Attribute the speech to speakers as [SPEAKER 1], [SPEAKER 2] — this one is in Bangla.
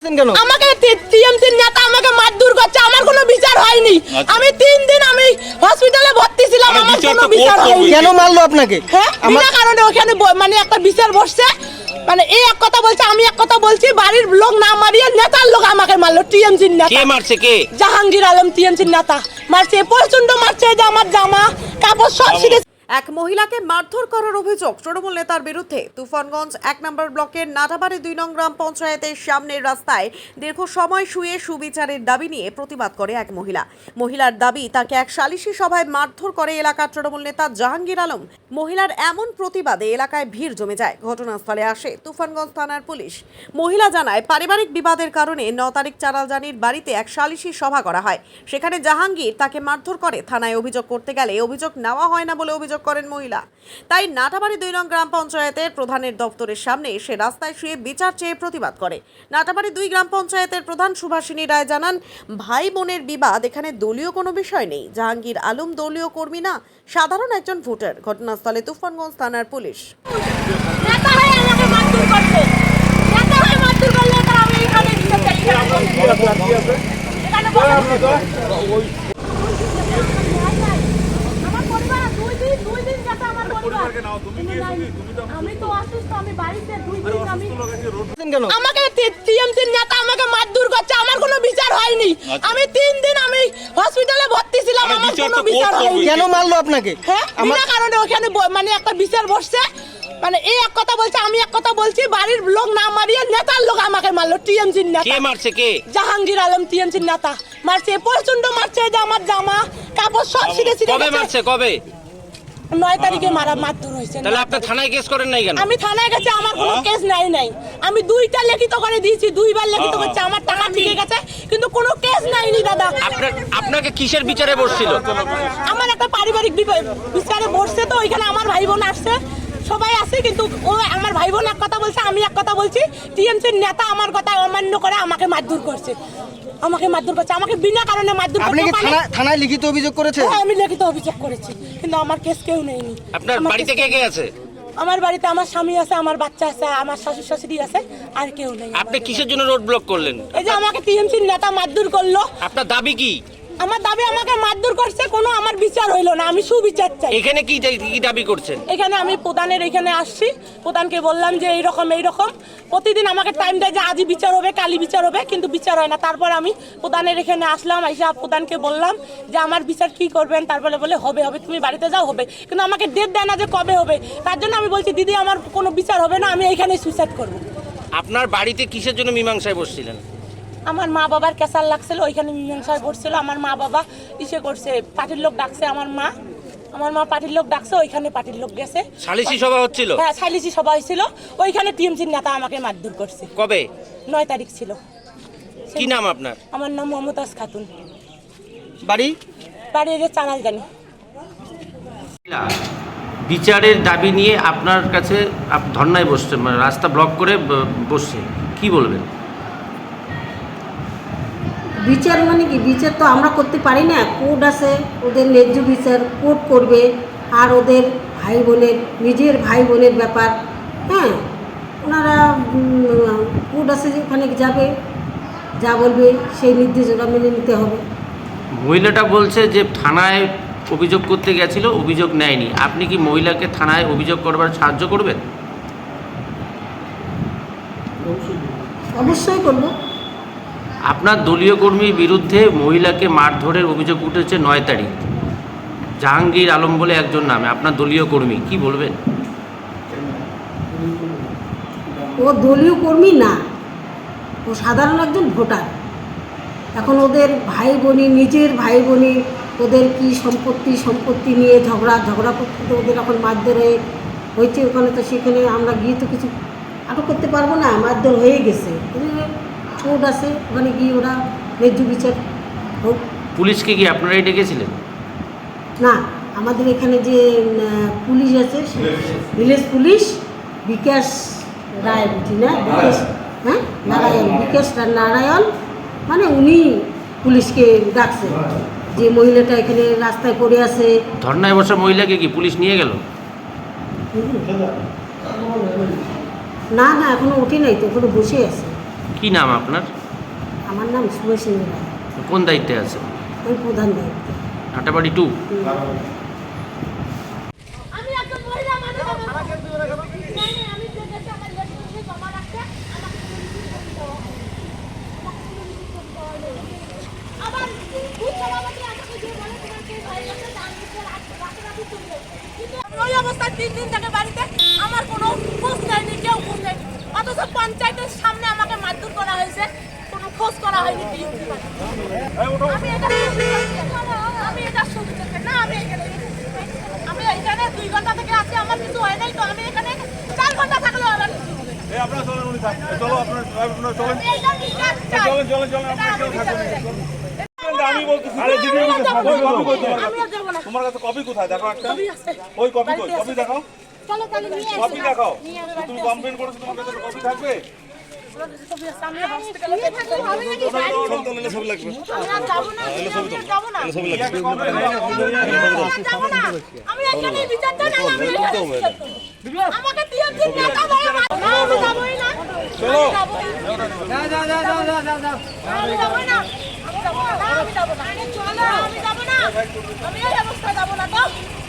[SPEAKER 1] কেন
[SPEAKER 2] আমাকে টিএমসির নেতা আমাকে মারধর করছে, আমার কোনো বিচার হয়নি। আমি 3 দিন আমি হসপিটালে ভর্তি ছিলাম, আমার কোনো বিচার হয়নি।
[SPEAKER 1] কেন মারলো আপনাকে?
[SPEAKER 2] হ্যাঁ, বিনা কারণে ওখানে মানে একটা বিচার বসছে, মানে এই এক কথা বলছে, আমি এক কথা বলছি, বাড়ির লোক না মারিয়ে নেতার লোক আমাকে মারলো। টিএমসির নেতা।
[SPEAKER 3] কে মারছে? কে?
[SPEAKER 2] জাহাঙ্গীর আলম টিএমসির নেতা মারছে, প্রচন্ড মারছে, যে আমার জামা কাপড় সব ছিঁড়ে।
[SPEAKER 4] এক মহিলাকে মারধর করার অভিযোগ তৃণমূল নেতার বিরুদ্ধে। তুফানগঞ্জ 1 নম্বর ব্লকের নাটাবাড়ি 2 নং গ্রাম পঞ্চায়েতের সামনের রাস্তায় দীর্ঘ সময় শুয়ে সুবিচারের দাবি নিয়ে প্রতিবাদ করে এক মহিলা। মহিলার দাবি, তাকে এক সালিশি সভায় মারধর করে এলাকার তৃণমূল নেতা জাহাঙ্গীর আলম। মহিলার এমন প্রতিবাদে এলাকায় ভিড় জমে যায়। ঘটনাস্থলে আসে তুফানগঞ্জ থানার পুলিশ। মহিলা জানায়, পারিবারিক বিবাদের কারণে 9 তারিখ চারালজানির বাড়িতে এক সালিশি সভা করা হয়। সেখানে জাহাঙ্গীর তাকে মারধর করে। থানায় অভিযোগ করতে গেলে অভিযোগ নেওয়া হয় না বলে অভিযোগ করেন মহিলা। তাই নাটাবাড়ি 2 নং গ্রাম পঞ্চায়েতের প্রধানের দপ্তরের সামনে এসে রাস্তায় শুয়ে বিচার চেয়ে প্রতিবাদ করে। নাটাবাড়ি 2 গ্রাম পঞ্চায়েতের প্রধান সুভাষিনী রায় জানান, ভাই বোনের বিবাদ এখানে দলীয় কোনো বিষয় নেই। জাহাঙ্গীর আলম দলীয় কর্মী না, সাধারণ একজন ভোটার। ঘটনাস্থলে তুফানগঞ্জ থানার পুলিশ।
[SPEAKER 2] নেতা হয়ে আমাকে মারধর করছে, নেতা হয়ে মারধর করলে তো আমি এখানে বিচার চাই। এখানে আমি তো অসুস্থ, আমি বাড়িতে 2 দিন আমি
[SPEAKER 1] কেন
[SPEAKER 2] আমাকে টিএমসির নেতা আমাকে মারধর করছে, আমার কোনো বিচার হয়নি। আমি 3 দিন আমি হসপিটালে ভর্তি ছিলাম, আমার কোনো বিচার হয়নি।
[SPEAKER 1] কেন মারলো আপনাকে?
[SPEAKER 2] হ্যাঁ, বিনা কারণে ওখানে মানে একটা বিচার বসছে, মানে এই এক কথা বলছে, আমি এক কথা বলছি, বাড়ির লোক না মারিয়ে নেতার লোক আমাকে মারলো। টিএমসির নেতা।
[SPEAKER 3] কে মারছে? কে?
[SPEAKER 2] জাহাঙ্গীর আলম টিএমসির নেতা মারছে, প্রচন্ড মারছে, যে আমার জামা কাপড় সব ছিঁড়ে ছিঁড়ে।
[SPEAKER 3] কবে মারছে? কবে?
[SPEAKER 2] 9 তারিখে মারধর হয়েছে।
[SPEAKER 3] তাহলে আপনি থানায় কেস করেন নাই কেন?
[SPEAKER 2] আমি থানায় গেছি, আমার কোনো কেস নাই। আমি 2টা লিখিত করে দিয়েছি, 2বার লিখিত করছে, আমার টাকা ঠিক গেছে, কিন্তু কোনো কেস নাইনি দাদা।
[SPEAKER 3] আপনাকে কিসের বিচারে বসছিল?
[SPEAKER 2] আমার একটা পারিবারিক বিচারে বসছে, তো ওইখানে আমার ভাই বোন আসছে, সবাই আছে, কিন্তু ও আমার ভাই বোন এক কথা বলছে, আমি এক কথা বলছি। টিএমসির নেতা আমার কথা অমান্য করে আমাকে মারধর করছে, আমাকে বিনা কারণে মারধর করছে।
[SPEAKER 1] আপনি কি থানায় লিখিত অভিযোগ করেছেন?
[SPEAKER 2] হ্যাঁ, আমি লিখিত অভিযোগ করেছি, কিন্তু আমার কেস কেউ নেয়নি।
[SPEAKER 3] আপনার বাড়িতে কে কে আছে?
[SPEAKER 2] আমার বাড়িতে আমার স্বামী আছে, আমার বাচ্চা আছে, আমার শ্বশুর শাশুড়ি আছে, আর কেউ নেই।
[SPEAKER 3] আপনি কিসের জন্য রোড ব্লক করলেন?
[SPEAKER 2] এই যে আমাকে টিএমসির নেতা মারধর করলো।
[SPEAKER 3] আপনার দাবি কি?
[SPEAKER 2] আমার দাবি, আমাকে মারধর করছে, কোনো আমার বিচার হইলো না, আমি সুবিচার চাই।
[SPEAKER 3] এখানে কি দাবি করছেন?
[SPEAKER 2] এখানে আমি প্রধানের এখানে আসছি, প্রধানকে বললাম যে এইরকম প্রতিদিন আমাকে টাইম দেয় যে আজই বিচার হবে, কালি বিচার হবে, কিন্তু বিচার হয় না। তারপর আমি প্রধানের এখানে আসলাম, এসে প্রধানকে বললাম যে আমার বিচার কি করবেন। তারপরে বলে হবে, তুমি বাড়িতে যাও, হবে, কিন্তু আমাকে ডেট দেয় না যে কবে হবে। তার জন্য আমি বলছি, দিদি আমার কোনো বিচার হবে না, আমি এইখানে সুইসাইড করবো।
[SPEAKER 3] আপনার বাড়িতে কিসের জন্য মীমাংসায় বসছিলেন?
[SPEAKER 2] আমার মা বাবার ক্যাসার লাগছিল, ওইখানে মীমাংসায় পড়ছিল। আমার মা বাবা ইসে করছে, পার্টির লোক ডাকছে, আমার মা পার্টির লোক ডাকছে, ওইখানে পার্টির লোক গেছে,
[SPEAKER 3] সালিশি সভা হচ্ছিল।
[SPEAKER 2] হ্যাঁ, সালিশি সভা হয়েছিল, ওইখানে টিএমসির নেতা আমাকে মারধর করছে।
[SPEAKER 3] কবে?
[SPEAKER 2] 9 তারিখ ছিল।
[SPEAKER 3] কি নাম আপনার?
[SPEAKER 2] আমার নাম মমতাজ খাতুন,
[SPEAKER 1] বাড়ি
[SPEAKER 2] যে চারালজানি।
[SPEAKER 3] বিচারের দাবি নিয়ে আপনার কাছে ধর্নায় বসছে, মানে রাস্তা ব্লক করে বসছে, কি বলবেন?
[SPEAKER 5] বিচার মানে কি? বিচার তো আমরা করতে পারি না, কোর্ট আছে, ওদের ন্যায্য বিচার কোর্ট করবে। আর ওদের ভাই বোনের, নিজের ভাই বোনের ব্যাপার, হ্যাঁ, ওনারা কোর্ট আছে, যে ওখানে যাবে, যা বলবে সেই নির্দেশ ওরা মেনে নিতে হবে।
[SPEAKER 3] মহিলাটা বলছে যে থানায় অভিযোগ করতে গেছিল, অভিযোগ নেয়নি। আপনি কি মহিলাকে থানায় অভিযোগ করবার সাহায্য করবেন?
[SPEAKER 5] অবশ্যই করবো।
[SPEAKER 3] আপনার দলীয় কর্মীর বিরুদ্ধে মহিলাকে মারধরের অভিযোগ উঠেছে 9 তারিখ। জাহাঙ্গীর আলম বলে একজন নামে, আপনার দলীয় কর্মী, কি বলবেন?
[SPEAKER 5] ও দলীয় কর্মী না, ও সাধারণ একজন ভোটার। এখন ওদের ভাই বোনি, নিজের ভাই বোনি, ওদের কি সম্পত্তি নিয়ে ঝগড়া করতে ওদের এখন মারধর হয়েছে ওখানে। তো সেখানে আমরা গিয়ে তো কিছু আটক করতে পারবো না, মারধর হয়ে গেছে, কোর্ট আছে, ওখানে গিয়ে ওরা ন্যায্য বিচার হোক।
[SPEAKER 3] পুলিশকে কি আপনারাই ডেকেছিলেন?
[SPEAKER 5] না, আমাদের এখানে যে পুলিশ আছে, ভিলেজ পুলিশ বিকাশ রায়, বুঝি না, বিকাশ, হ্যাঁ, বিকাশ নারায়ণ, মানে উনি পুলিশকে ডাকছে যে মহিলাটা এখানে রাস্তায় পড়ে আছে।
[SPEAKER 3] ধর্নায় বসা মহিলাকে কি পুলিশ নিয়ে গেল?
[SPEAKER 5] না, এখনো উঠে নাই তো, ওখানে বসে আছে।
[SPEAKER 3] কি নাম আপনার?
[SPEAKER 5] আমার নাম শুভসিনী রায়,
[SPEAKER 3] কোন দায়িত্বে আছে?
[SPEAKER 5] আমি প্রধান দায়িত্ব।
[SPEAKER 3] নাটাবাড়ি 2।
[SPEAKER 2] আমি একজন মহিলা মানুষ আমি দেখেছি আমার লেডিসকে জমা রাখতে আবার বুথ সভাপতি আমাকে যে বলে তোমার কে ভাই আছে দান দিতে রাখতে তুলবে কিন্তু ওই অবস্থায় 3 দিন থেকে বাড়িতে আমার কোনো খোঁজ নেয়নি, কেউ খোঁজ নেয়নি, অথচ পঞ্চায়েতের সামনে আমাকে মারধর করা হয়েছে, কোনো খোঁজ করা হয়নি। আমি এটা সুবিধা না, আমি এখানে 2 ঘন্টা থেকে আছি, আমার কিছু হয় নাই, তো আমি এখানে 4 ঘন্টা থাকলেও আমার কিছু হবে না।
[SPEAKER 6] আপনারা চলেন, উনি থাক, চলো আপনারা চলেন,
[SPEAKER 2] আমি এটা বিচার চাই।
[SPEAKER 6] চলেন, আপনারা কেউ থাকবেন না। আমি বলতেছি, আরে দিদি
[SPEAKER 2] আমিও যাবো না।
[SPEAKER 6] তোমার কাছে কপি কোথায়? দেখো একটা,
[SPEAKER 2] কপি আছে।
[SPEAKER 6] ওই কপি কই? কপি দেখাও,
[SPEAKER 2] চলো তাহলে নিয়ে
[SPEAKER 6] কপি দেখাও।
[SPEAKER 2] নিয়ে
[SPEAKER 6] তুমি কমপ্লেন করেছো, তোমার কাছে কপি থাকবে?
[SPEAKER 2] কপি আছে, আমি হসপিটালে থাকতে হবে নাকি?
[SPEAKER 6] ছবি লাগবে,
[SPEAKER 2] আমি আর যাবো না, আমি যাবো না।
[SPEAKER 6] ছবি লাগবে।
[SPEAKER 2] যাবো না। আমি এখানে বিচার চাই, না আমি এখানে বিচার করবো। আমাকে দিয়ে দিন টাকা ধরে না, আমি যাবোই না।
[SPEAKER 6] চলো।
[SPEAKER 2] আমি যাবোই না। আমি যাবো না, আমি যাবো না। চলো, আমি যাবো না। আমি এই অবস্থায় যাবো না তো।